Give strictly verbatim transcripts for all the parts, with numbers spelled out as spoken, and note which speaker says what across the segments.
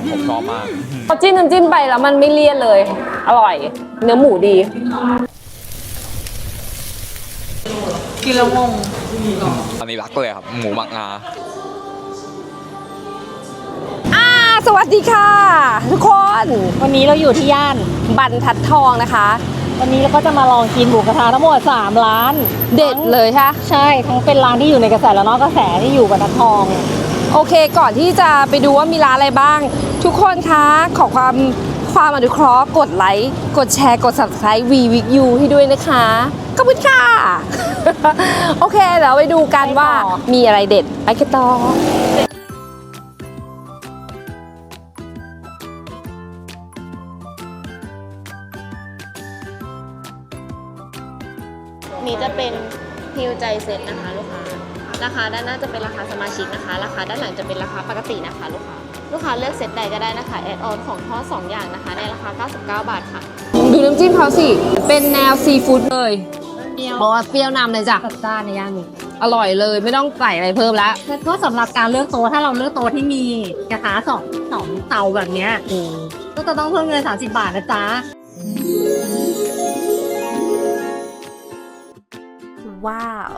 Speaker 1: ผมชอบมาก
Speaker 2: พอจิ้มน้ำจิ้มไปแล้วมันไม่เลี่ยนเลยอร่อยเนื้อหมูดี
Speaker 3: กินแล้วงง
Speaker 1: อันนี้รักเลยครับหมูหมักงา
Speaker 2: อ่าสวัสดีค่ะทุกคน
Speaker 3: วันนี้เราอยู่ที่ย่าน
Speaker 2: บรรทัดทองนะคะ
Speaker 3: วันนี้เราก็จะมาลองกินหมูกระทะทั้งหมดสามร้าน
Speaker 2: เด็ดเลยใช่
Speaker 3: ใช่ทั้งเป็นร้านที่อยู่ในกระแสและนอกกระแสที่อยู่บรรทัดทอง
Speaker 2: โอเคก่อนที่จะไปดูว่ามีร้านอะไรบ้างทุกคนคะขอความความอนุเคราะห์กดไลค์กดแชร์กด ซับสไครบ์ วี วิก ยู ให้ด้วยนะคะขอบคุณค่ะ โอเคเดี๋ยวไปดูกันว่ามีอะไรเด็ดไปกันต่อ
Speaker 4: นี้จะเป็นฮิวใจเซ็ตนะคะลูกค้าราคาด้านหน้าจะเป็นราคาสมาชิกนะคะราคาด้านหลังจะเป็นราคาปกตินะคะลูกค้าลูกค้าเลือกเซตใดก็ได้นะคะแอดออนของทอดสองอย่างนะคะในราคาเก้าสิบเก้าบาทค่ะ
Speaker 2: ดูน้ำจิ้มเขาสิเป็นแนวซีฟู้ดเลยบอกว่าเปรี้ยวนำเลยจ้ะ
Speaker 3: จัดจ้านในย่านนี้
Speaker 2: อร่อยเลยไม่ต้องใส่อะไรเพิ่มแล้ว
Speaker 3: แล้วก็สำหรับการเลือกโต๊ะถ้าเราเลือกโต๊ะที่มีกระทะสองสองเตาแบบเนี้ยก็จะต้องเพิ่มเงินสามสิบบาทนะจ๊ะ
Speaker 2: ว้าว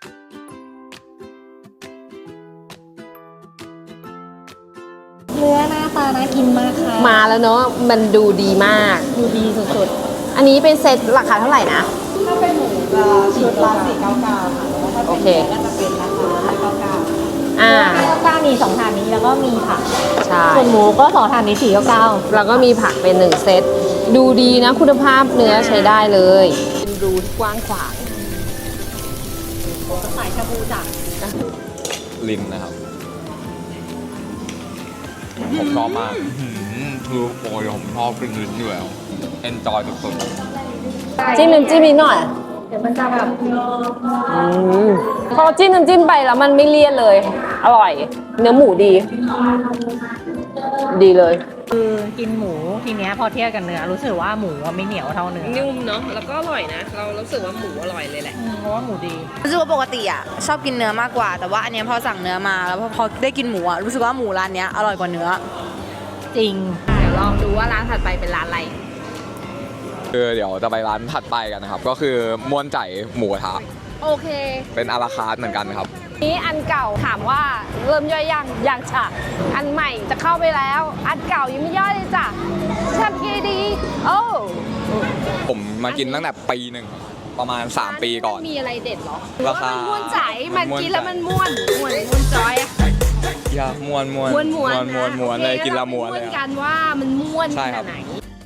Speaker 3: เนื้อหน้าตาน่ากินมากค่ะ
Speaker 2: มาแล้วเนาะมันดูดีมาก
Speaker 3: ดูดีสุด
Speaker 2: ๆอันนี้เป็นเซตราคาเท่าไหร่นะ
Speaker 3: ถ้าเป็นหมูจะชุดละสี่เก้าเก้าค่ะแล้วถ้าเป็นเนื้อก็จะเป็นราคาห้าเก้าเก้าอ่าห้าเก้าเก้ามีสองถาดนี้แล้วก็มีผัก
Speaker 2: ใช่
Speaker 3: ส่วนหมูก็สองถาดนี้สี่เก้าเก้า
Speaker 2: แล้วก็มีผักเป็นหนึ่งเซตดูดีนะคุณภาพเนื้อใช้ได้เลยเป็นรูที่กว้างขวาง
Speaker 3: สายชาบูจ้ะ
Speaker 1: ลิมนะครับผมชอบมากคือโอ้ยผมชอบกินลิ้นอยู่แล้วเอนจอยสุด
Speaker 2: ๆจิ้มน้ำจิ้มนิดหน่อย
Speaker 3: เดี๋ยวมันจะแบบ
Speaker 2: พอจิ้มน้ำจิ้มไปแล้วมันไม่เลี่ยนเลยอร่อยเนื้อหมูดีดีเลย
Speaker 3: คือกินหมูทีเนี้ยพอเทียบกันเนื้อรู้สึกว่าหมูไม่เหนียวเท่าเนื้อ
Speaker 2: นุ่มเนาะแล้วก็อร่อยนะเรารู้สึกว่าหมูอร่อยเลยแหละ
Speaker 3: เพราะว่าหมูดี
Speaker 4: รู้สึกว่าปกติอ่ะชอบกินเนื้อมากกว่าแต่ว่าอันนี้พอสั่งเนื้อมาแล้วพอได้กินหมูอ่ะรู้สึกว่าหมูร้านเนี้ยอร่อยกว่าเนื้อ
Speaker 3: จริง
Speaker 2: เดี๋ยวลองดูว่าร้านถัดไปเป็นร้านอะไร
Speaker 1: คือเดี๋ยวจะไปร้านถัดไปกันนะครับก็คือม่วนใจหมูกระทะ
Speaker 2: โอเค
Speaker 1: เป็นอาราคาร์ทเหมือนกันครับ
Speaker 2: นี้อันเก่าถามว่าเริ่มย่อยยังยังจ้ะอันใหม่จะเข้าไปแล้วอันเก่ายังไม่ย่อยเลยจ้ะทำกี่ดีโอ้
Speaker 1: ผมมากินตั้งแต่ปีหนึ่งประมาณสามปีก่อน
Speaker 2: มีอะไรเด็ดหรอ
Speaker 1: ราคา
Speaker 2: มันม่วนใจมันกินแล้วมันม่วนม่วนม่วนจอยอะ
Speaker 1: อย่าม่วนม่วน
Speaker 2: ม่วนม่วน
Speaker 1: ม่วนม่วนเลยกินละม่วนเลย
Speaker 2: กันว่ามันม่วนขนาดไหน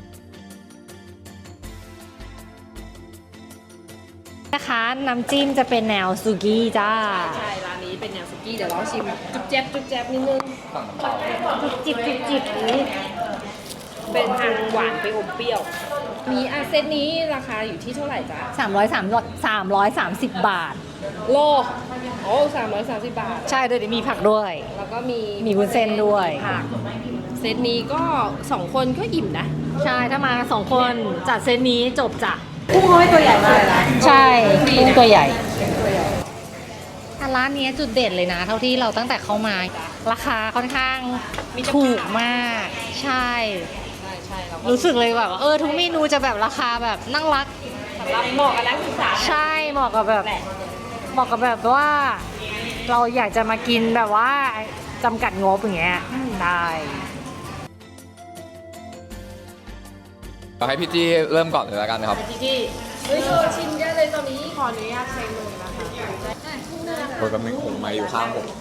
Speaker 3: นะคะน้ำจิ้มจะเป็นแนวซูกี้จ้า
Speaker 2: ใช่ร้านนี้เป็นแนวซูกี้เดี๋ยวเราชิมจุ๊บแจ๊บจุ๊บแจ๊บนิดนึง
Speaker 3: จุ๊บจิบจุ๊บจิบนี้
Speaker 2: เป็นทางหวานไปอมเปรี้ยวมีอาเซตนี้ราคาอยู่ที่เท่าไหร่จ้า
Speaker 3: สามร้อยสามสามร้อยสามสิบบาท
Speaker 2: โลโอ้สามร้อยสามสิบบาท
Speaker 3: ใช่ด้วยมีผักด้วย
Speaker 2: แล้วก็มี
Speaker 3: มีวุ้นเส้นด้วย
Speaker 2: ผักเซตนี้ก็สองคนก็อิ่มนะ
Speaker 3: ใช่ถ้ามาสองคนจัดเซตนี้จบจ้ะกุ้งน้อยตัวใหญ่มากนะใช่กุ้งตัวใหญ่ร้านนี้จุดเด่นเลยนะเท่าที่เราตั้งแต่เข้ามาราคาค่อนข้างถูกมากใช่รู้สึกเลยแบบเออทุกเมนูจะแบบราคาแบบนั่งรัก
Speaker 2: เหมาะกับนักศึกษา
Speaker 3: ใช่เหมาะกับแบบเหมาะกับแบบว่าเราอยากจะมากินแบบว่าจำกัดงบอย่างเงี้ยได้
Speaker 1: ให้พี่จี้เริ่มก่อนเลยแล้วกันนะครับ
Speaker 2: พี่จี้เฮ้ยเธอชิมเยอะเลยตอนนี้ขออนุญาตใช้มือนะคะ
Speaker 1: โดยกำลังผมมาอยู่ข้างผม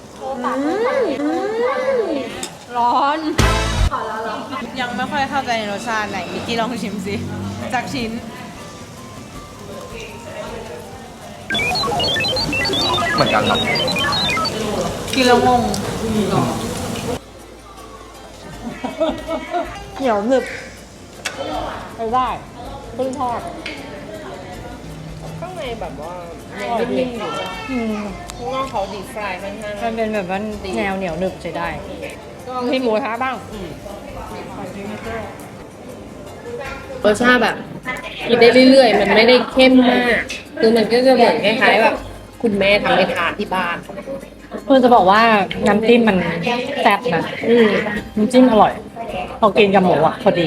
Speaker 3: ร้อน
Speaker 4: ยังไม่ค่อยเข้าใจในรสชาติไหนมิกกี้ลองชิมสิจากชิ้น
Speaker 1: เหมือนกันครับ
Speaker 3: กินแล้วงงเหนียวหนึบไปได้เพิ่งทอด
Speaker 2: ข้างในแบบว่านิ่มๆอยู่ข้างนอกเขาดีฟรายค่อนข้าง
Speaker 3: มันเป็นแบบว่าแนวเหนียวหนึบใช้ได้มีหมูท้าบ้าง
Speaker 2: รสชาติแบบกินได้เรื่อยๆมันไม่ได้เข้มมากคือมันก็จะเหมือนคล้ายๆแบบคุณแม่ทำให้ทานที่บ้าน
Speaker 3: เพื่อนจะบอกว่าน้ำจิ้มมันแซ่บนะน้ำจิ้มอร่อยพอกินกับหมูอ่ะพอดี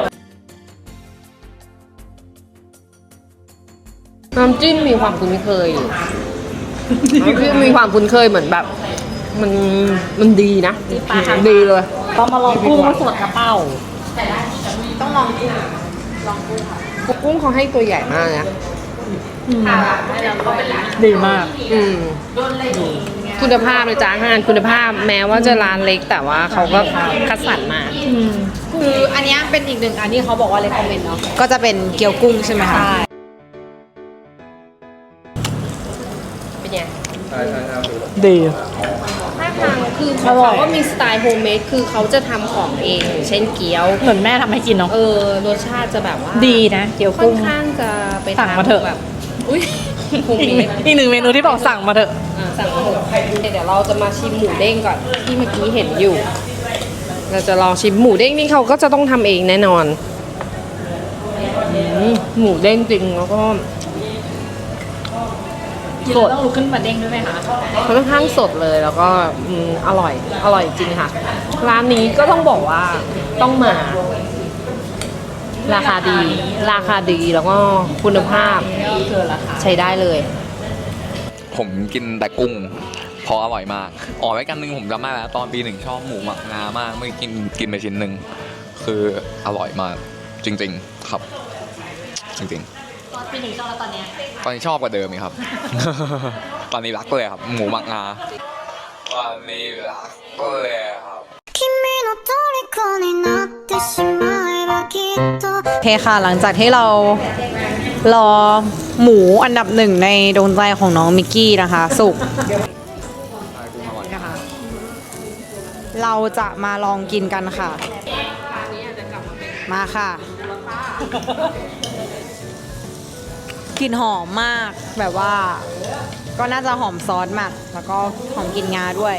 Speaker 2: น้ำจิ้มมีความคุ้นเคยอยู่น้ำจิ้มมีความคุ้นเคยเหมือนแบบ มันมันดีนะดีเลย
Speaker 3: ต้องมาลองกุ้งสดกระเป้า
Speaker 2: ต้องลองกุ้งลองกุ้งค่ะกุ้งเขาให้ตัวใหญ่มากนะ
Speaker 3: ดีมาก
Speaker 2: อืมคุณภาพเลยจ้าอาหารคุณภาพแม้ว่าจะร้านเล็กแต่ว่าเขาก็คัดสรรมา
Speaker 5: คืออันเนี้ยเป็นอีกหนึ่งอันที่เขาบอกว่าเลยคอมเมนต์เนาะก็จะเป็นเกี๊ยวกุ้งใช่ไหมคะ
Speaker 2: เป็นไง
Speaker 3: ดี
Speaker 2: ท่าทางคือเขาก็มีสไตล์โฮมเมดคือเขาจะทำของเองอย่างเช่นเกี๊ยว
Speaker 3: เหมือนแม่ทำให้กินเนาะ
Speaker 2: เออรสชาติจะแบบว่า
Speaker 3: ดีนะเกี๊ยว
Speaker 2: ค่อ
Speaker 3: กุ้
Speaker 2: น
Speaker 3: ง
Speaker 2: ข้างจะไป
Speaker 3: สั่งมาเถอะ
Speaker 2: ทำแบบอุ้ยโฮม
Speaker 3: อีก
Speaker 2: เม
Speaker 3: หนึ่
Speaker 2: ด
Speaker 3: งอีกหนึ่งเมนูที่บอกสั่งมาเถอะ
Speaker 2: อ่าสั่งมาเถอะเดี๋ยวเราจะมาชิมหมูเด้งก่อนที่เมื่อกี้เห็นอยู่ เราจะลองชิมหมูเด้งนี่เขาก็จะต้องทำเองแน่นอนอืมหมูเด้งจริงแล้วก็
Speaker 3: สดต้องลุกขึ้นมาเด้งด้วยไหมคะ
Speaker 2: ค่อนข้างสดเลยแล้วก็อืมอร่อยอร่อยจริงค่ะ ร้านนี้ก็ต้องบอกว่าต้องมา ราคาดี ราคาดีแล้วก็คุณภาพใช้ได้เลย
Speaker 1: ผมกินแต่กุ้งเพราะอร่อยมากอ๋อไว้กันหนึ่งผมจำได้แล้วตอนปีหนึ่งชอบหมูหมักงามากไม่กินกินไปชิ้นหนึ่งคืออร่อยมากจริง ๆ ครับ จริงๆ
Speaker 3: ตอนปีหนึ่งชอบแล้วตอนเนี้ย
Speaker 1: ตอนนี้ชอบกว่าเดิมอีกครับ ตอนนี้รักเลยครับ หมูหมักงาตอนนี้รักเลยครับ
Speaker 6: 君の虜になってしまえばきっと
Speaker 5: โอเคค่ะ หลังจากที่เรารอหมูอันดับหนึ่งในดวงใจของน้องมิกกี้นะคะ สุกนะคะเราจะมาลองกินกันค่ะ มาค่ะกลิ่นหอมมากแบบว่า ก็น่าจะหอมซอสมากแล้วก็หอมกลิ่นงาด้วย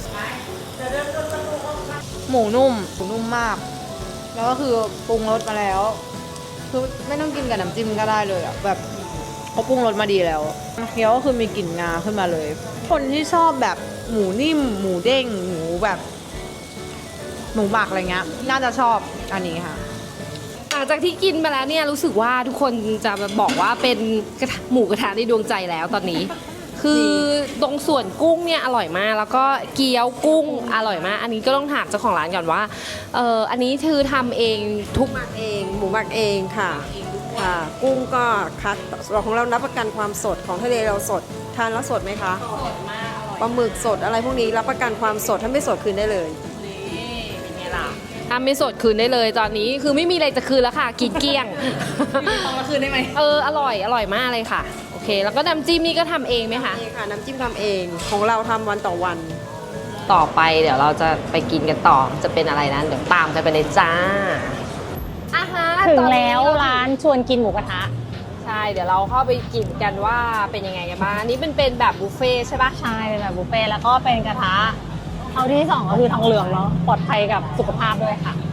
Speaker 5: หมูนุ่มหมูนุ่มมาก แล้วก็คือปรุงรสมาแล้ว คือไม่ต้องกินกับน้ำจิ้มก็ได้เลยอ่ะแบบเขาปรุงรสมาดีแล้วเคี้ยวก็คือมีกลิ่นงาขึ้นมาเลย คนที่ชอบแบบหมูนิ่ม หมูเด้ง หมูแบบ หมูหมักอะไรเงี้ยน่าจะชอบอันนี้ค่ะ
Speaker 2: หลังจากที่กินไปแล้วเนี่ยรู้สึกว่าทุกคนจะบอกว่าเป็นกระทะหมูกระทะในดวงใจแล้วตอนนี้ คือตรงส่วนกุ้งเนี่ยอร่อยมาก แล้วก็เกี๊ยวกุ้งอร่อยมาก อันนี้ก็ต้องถามเจ้าของร้านก่อนว่าเอออันนี้คือทำเองทุก
Speaker 7: หมักเองหมูหมักเองค่ะค่ะ กุ้งก็คัดเราของเรารับประกันความสดของทะเลเราสดทานแล้วสดไหมคะสดมากอร่อยปลาหมึกสดอะไรพวกนี้รับประกันความสดถ้าไม่สดคืนได้เลย
Speaker 2: ทำไม่สดคืนได้เลยตอนนี้คือไม่มีอะไรจะคืนแล้วค่ะกินเกลี้ยง
Speaker 5: ต้องมาคืนได้ไหม
Speaker 2: เอออร่อยอร่อยมากเลยค่ะโอเค แล้วก็น้ำจิ้มนี่ก็ทำเองไหมคะ
Speaker 7: นี่ค่ะน้ำจิ้มทำเองของเราทำวันต่อวัน
Speaker 2: ต่อไปเดี๋ยวเราจะไปกินกันต่อจะเป็นอะไรนั้นเดี๋ยวตามกันไปเลยจ้าอาหาร
Speaker 3: ถึงแล้วร้านชวนกินหมูกระทะ
Speaker 2: ใช่เดี๋ยวเราเข้าไปกินกันว่าเป็นยังไงกันบ้างอันนี้เป็นเป็นแบบบุฟเฟ่ต์ใช่ปะ
Speaker 3: ใช่เป็นแบบบุฟเฟ่ต์แล้วก็เป็นกระทะเอาที่สองก็คือทองเหลืองเนาะปลอดภัยกับสุขภาพด้วยค่ะ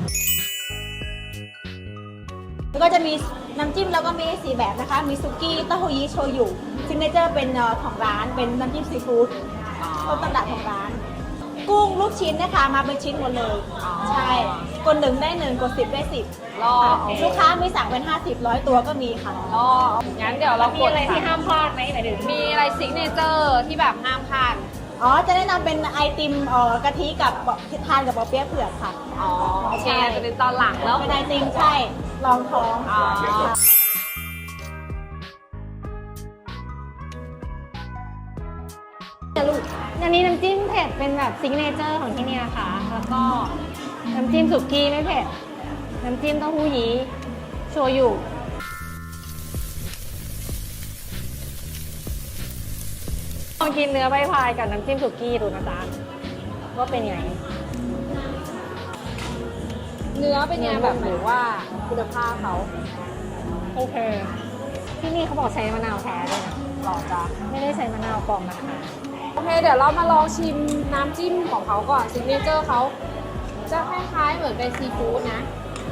Speaker 8: แล้วก็จะมีน้ำจิ้มแล้วก็มีสีแบบนะคะ มีซุกี้เต้าหู้ยี้โชยุซิกเนเจอร์เป็นเอ่อของร้านเป็นน้ำจิ้มซีฟู้ดต้นตำรับของร้าน กุ้งลูกชิ้นนะคะมาเป็นชิ้นหมดเลย ใช่กดหนึ่งได้หนึ่งกดสิบได้สิบ
Speaker 2: รอ
Speaker 8: ลูกค้ามีสั่งเป็นห้าสิบร้อยตัวก็มีค่ะ
Speaker 2: รองั้นเดี๋ยวเรา
Speaker 3: มี
Speaker 2: กด
Speaker 3: อะไรที่ห้ามพลาดไหมหมายถึง
Speaker 2: มีอะไรซิกเนเจอร์ที่แบบห้ามพลาด
Speaker 8: อ๋อ จะแนะนำเป็นไอติมเอ่อกะทิกับทานกับปอเปี๊ยะเผือกค่ะ
Speaker 2: อ๋อโอเคจะเป็นตอนหลังแล้ว
Speaker 8: เป็นไอติมใช่รองท้อง
Speaker 2: อ๋อ
Speaker 3: อันนี้น้ำจิ้มเผ็ดเป็นแบบซิกเนเจอร์ของที่นี่นะคะ แล้วก็น้ำจิ้มสุกี้ไม่เผ็ด น้ำจิ้มเต้าหู้ยี้โชยุลองกินเนื้อใบพายกับน้ำจิ้มสุกี้ดูนะจ๊ะว่าเป็นยังไง
Speaker 2: เนื้อเป็นไงแบบหรือว่าคุณภาพเขา
Speaker 3: โอเค ที่นี่เขาบอกใช้มะนาวแท้ด้วยนะ
Speaker 2: หล่อจ้ะ
Speaker 3: ไม่ได้ใช้มะนาวปลอมนะคะ
Speaker 2: โอเคเดี๋ยวเรามาลองชิมน้ำจิ้มของเขาก่อนซิกเนเจอร์เขาจะคล้ายๆเหมือนเป็นซีฟู้ดนะ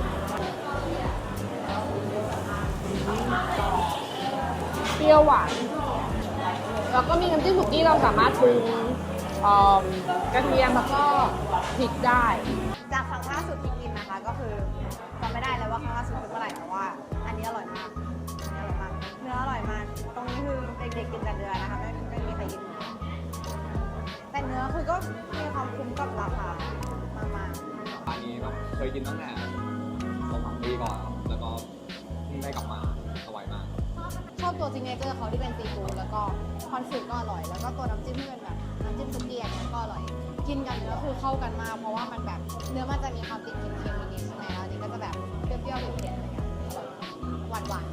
Speaker 2: เปรี้ยวหวานแล้วก็มีน้ำจิ้มสุกี้เราสามารถปรุงเอิ่มกระเทียมแล้วก็พริกได้
Speaker 5: จากครั้งล่าสุดที่กินนะคะ ก็คือจำไม่ได้แล้วว่าครั้งล่าสุดคือเมื่อไหร่แต่ว่า อันนี้อร่อยมากอันนี้อร่อยมาก เนื้ออร่อยมาก ตรงนี้คือเด็กๆกินแต่เนื้อนะคะไม่ไม่มีใครกินเนื้อแต่เนื้อคือก็มีความคุ้มกับราคามากๆ
Speaker 1: อันนี้แบบเคยกินตั้งแต่สองสามปีก่อนครับแล้วก็เพิ่งได้กลับมาอร่อยมาก
Speaker 5: ชอบตัวซิงเกิลเจอร์เขาที่เป็นซีฟู้ดแล้วก็คอนฟิกก็อร่อย แล้วก็ตัวน้ำจิ้มที่เป็นแบบน้ำจิ้มซุกี้อันเนี้ยก็อร่อย กินกันเนื้อคือเข้ากันมากเพราะว่ามันแบบเนื้อมันจะมีความติดเค็มๆนิดๆใช่ไหมแล้วอันนี้ก็จะแบบเปรี้ยวๆเผ็ดๆอะไรเงี้ยหวาน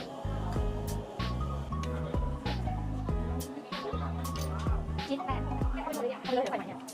Speaker 5: ๆ
Speaker 3: คิดแปดเลยไปเนี่ย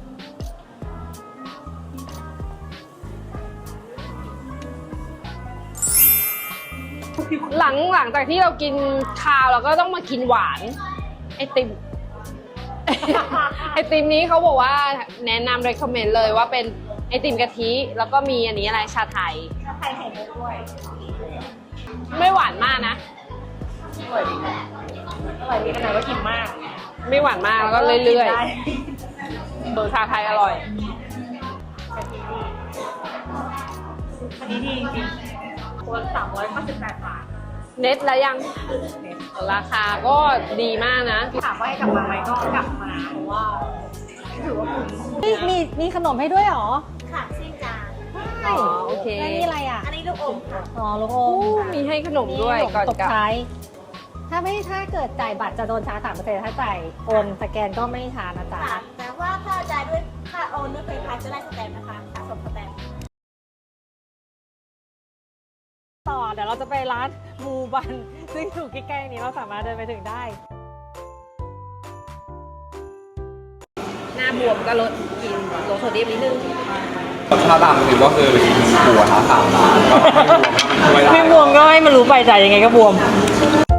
Speaker 2: หลังหลังจากที่เรากินข้าวเราก็ต้องมากินหวานไอติม ไอติมนี้เขาบอกว่าแนะนำ recommend เลยว่าเป็นไอติมกะทิแล้วก็มีอันนี้อะไรชาไทย
Speaker 8: ชาไทยไข่มุกด้วย
Speaker 2: ไม่หวานมากนะ
Speaker 8: อร่อยดีขนาดว่ากินมาก
Speaker 2: ไม่หวานมากแล้วก็เรื่อยๆเบอร์ชาไทยอร่อย
Speaker 8: อันนี้ดีจริงๆตัวสามร้อยเก้าสิบแปดบาท
Speaker 2: เน็ตแล้วยังราคาก็ดีมากนะ
Speaker 8: ถามว่าให้กลับมาไหมก็กลับมาเพราะว่าถือว่าคุ้ม
Speaker 3: มีมีขนมให้ด้วยเหรอ
Speaker 8: ค่ะซิ่งจาน
Speaker 2: อ๋อโอเค
Speaker 3: แล้วนี่อะไรอ่ะ
Speaker 8: อันนี้ลูกอมค่ะ
Speaker 3: อ๋อลูกอ
Speaker 2: อู้
Speaker 3: ม
Speaker 2: มีให้ขนมด้วยก่อน
Speaker 3: ตก
Speaker 2: กลับ
Speaker 3: ท้ายถ้าไม่ถ้าเกิดจ่ายบัตรจะโดนชาร์จสามเปอร์เซ็นต์ถ้าจ่ายโอนสแกนก็ไม่ชาร์จนะจ๊ะ
Speaker 8: ค่ะแต่ว่าถ้าจ่ายด้วยค่าโอนด้วยเพย์พาจะได้สแตมป์นะคะสะสมสแตมป์
Speaker 3: ต่อเดี๋ยวเราจะไปร้านมูบัน ซึ่งอยู่ใกล้ๆนี้เราสามารถเดินไปถึงได้
Speaker 2: หน้าบวมก็ลดกินลดโซเดียมนิดนึง
Speaker 1: รสชาติต่างกันก็คือหมูกระทะสามร้านก็ไม่บวมไม่ได้
Speaker 3: ไม่บวมก็ให้มันรู้ไปจ่ายยังไงก็บวม